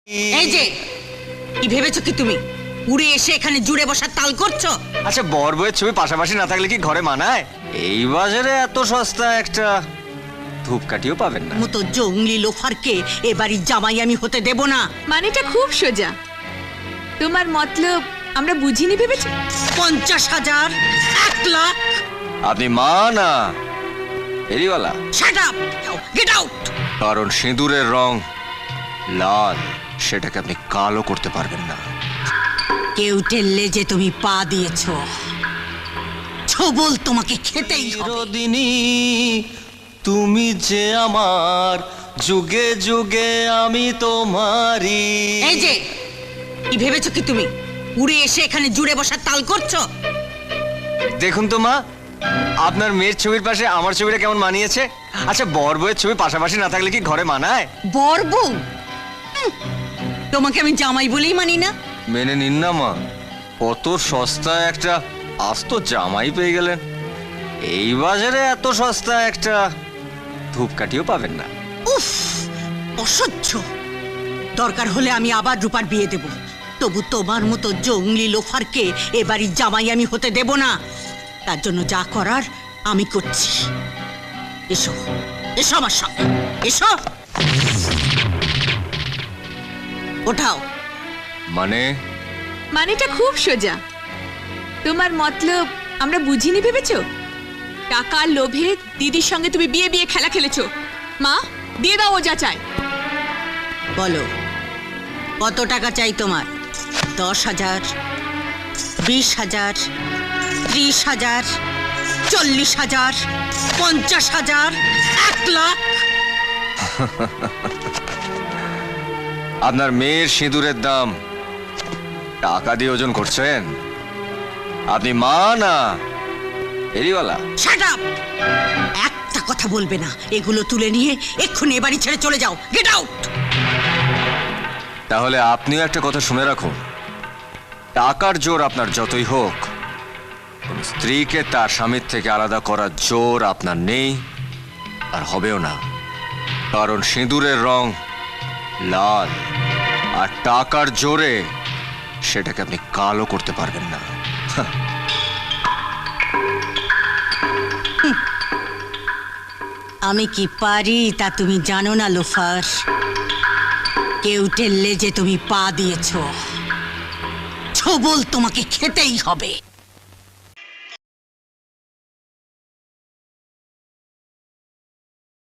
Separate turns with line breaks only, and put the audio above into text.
এই যে কি ভেবেছো কি তুমি উড়ে এসে এখানে জুড়ে বসার তাল করছো?
আচ্ছা, বর বউয়ের ছবি পাশাপাশি না থাকলে কি ঘরে মানায়? এই বাজারে এত সস্তা একটা ধূপকাঠিও পাবেন না।
মতো জঙ্গলি লোফারকে এ বাড়ির জামাই আমি হতে দেব না।
মানেটা খুব সোজা। তোমার মতলব আমরা বুঝিনি ভেবেছি।
50,000, 1 লাখ।
আপনি মা না ফেরিওয়ালা?
Shut up, get out.
কারণ সিঁদুরের রং লাল, সেটাকে আপনি কালো করতে পারবেন না।
কেউ টেললে যে তুমি পা দিয়েছো, ছবল তোমাকে খেতেই হবে।
চিরদিনই তুমি যে আমার, যুগে যুগে আমি তোমারই।
এই যে কি ভেবেছো কি তুমি উড়ে এসে এখানে জুড়ে বসার তাল করছো?
দেখুন তো মা, আপনার মেয়ের ছবির পাশে আমার ছবিটা কেমন মানিয়েছে? আচ্ছা, বর বউয়ের ছবি পাশাপাশি না থাকলে কি ঘরে মানায়?
বর বউ? তোমাকে আমি জামাই বলেই মানি না।
মেনে নিন না মা, কত সস্তা একটা আস্ত জামাই পেয়ে গেলেন। এই বাজারে এত সস্তা একটা ধূপকাঠিও পাবেন না।
উফ, অসহ্য। দরকার হলে আমি আবার রূপার বিয়ে দেব, তবু তোমার মতো জঙ্গলি লোফারকে এ বাড়ির জামাই আমি হতে দেব না। তার জন্য যা করার আমি করছি। এসো, এসো আমার সঙ্গে, এসো। ওঠাও।
মানেটা খুব সোজা। তোমার মতলব আমরা বুঝিনি ভেবেছো। টাকার লোভে দিদির সঙ্গে তুমি বিয়ে বিয়ে খেলা খেলেছো। মা, দিয়ে দাও ও যা চায়।
বলো, কত টাকা চাই তোমার? 10,000, 20,000, 30,000, 40,000, 50,000, 1 লাখ?
আপনার মেয়ের সিঁদুরের দাম টাকা দিয়ে ওজন করছেন? আপনি মা না ফেরিওয়ালা?
Shut up! একটা কথা বলবে না। এগুলো তুলে নিয়ে এক্ষুনি এ বাড়ি ছেড়ে চলে যাও। Get out.
তাহলে আপনিও একটা কথা শুনে রাখুন, টাকার জোর আপনার যতই হোক, কোন স্ত্রীকে তার স্বামীর থেকে আলাদা করার জোর আপনার নেই আর হবেও না। কারণ সিঁদুরের রং লাল, আর টাকার জোরে সেটাকে আপনি কালো করতে পারবেন না।
আমি কি পারি তা তুমি জানো না লোফার। কেউ টেললে যে তুমি পা দিয়েছো, ছবল তোমাকে খেতেই হবে।